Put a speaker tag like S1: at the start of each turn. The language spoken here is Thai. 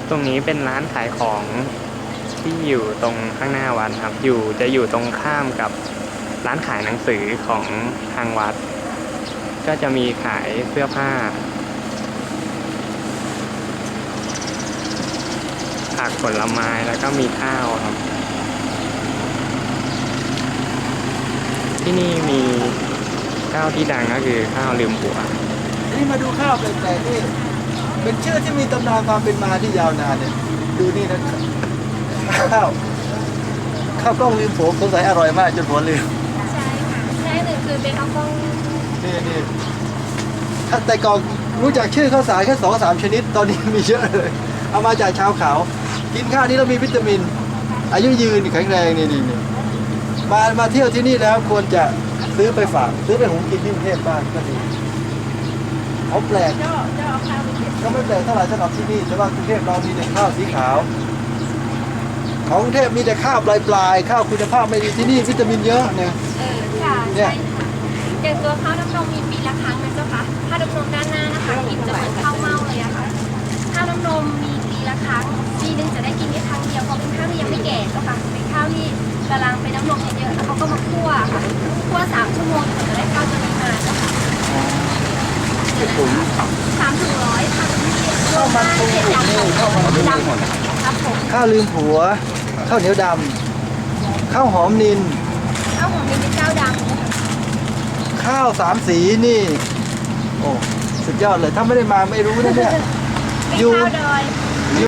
S1: ตรงนี้เป็นร้านขายของที่อยู่ตรงข้างหน้าวัดครับจะอยู่ตรงข้ามกับร้านขายหนังสือของทางวัด ก็จะมีขายเสื้อผ้าผักผลไม้แล้วก็มีข้าวครับ ที่นี่มีข้าวที่ดังก็คือข้าวลืมผัว
S2: นี่มาดูข้าวแปลกๆนี่เป็นชื่อที่มีตำนานความเป็นมาที่ยาวนานเนี่ยดูนี่นะข้าวกล้องลืมผัวสงสัยอร่อยมากจนผัวลืม
S3: ใช่ค่ะใช่หนึ่งคือเป็นข้าวกล้อง
S2: นี่ถ้าแต่ก่อนรู้จักชื่อข้าวสารแค่2-3 ชนิดตอนนี้มีเยอะเลยเอามาจากชาวเขากินข้าวนี้แล้วมีวิตามิน อายุยืนแข็งแรงนี่มาเที่ยวที่นี่แล้วควรจะซื้อไปฝากซื้อไปหุงกินที่กรุงเทพบ้างก็ดีเขาแปลก
S3: เจ้าเอาข้าวไปเก็บ
S2: ก็ไม่แปลกเท่าไหร่สำหรับที่นี่แต่ว่ากรุงเทพเรามีแต่ข้าวสีขาวของกรุงเทพมีแต่ข้าวปลายข้าวคุณภาพไม่ดีที่นี่วิตามินเยอะเนี่ย
S3: ค่ะ
S2: เนี่
S3: ใช่
S2: ย
S3: อย่างตัวข้าวน้ำนมมีปีละครั้งนะเจ้าค่ะข้าวน้ำนมด้านหน้านะคะกลิ่นจะเหมือนข้าวเม่าเลยอะค่ะข้าวน้ำนมมีปีละครั้งปีหนึงจะได้กินแค่ครั้งเดียวเพราะเป็นข้าวที่ยังไม่แก่เจ้าค่ะเป็นข้าวที่กำลังเป็นน้ำนมเยอะๆแล้วเขาก็มาคั่วค่ะคั่ว3 ชั่วโมงถึงจะได้ข้าวตัวนี้มาเจ้าค่ะ
S2: ถุง
S3: 3 ถึง 100ค่ะที่
S2: ข้าวมันปู
S3: เจ็ดอย่าง
S2: นี่
S3: ของ
S2: ข้าวมันปู
S3: ดำครับผม
S2: ข้าวลืมผัวข้าวเหนียวดำข้าวหอมนิน
S3: ข้าวหอมเป็นเจ้าดังนะคะ
S2: ข้าว3 สีนี่โอ้สุดยอดเลยถ้าไม่ได้มาไม่รู้นะเนี่ย
S3: เป็น
S2: อยู่
S3: ข้าวดอย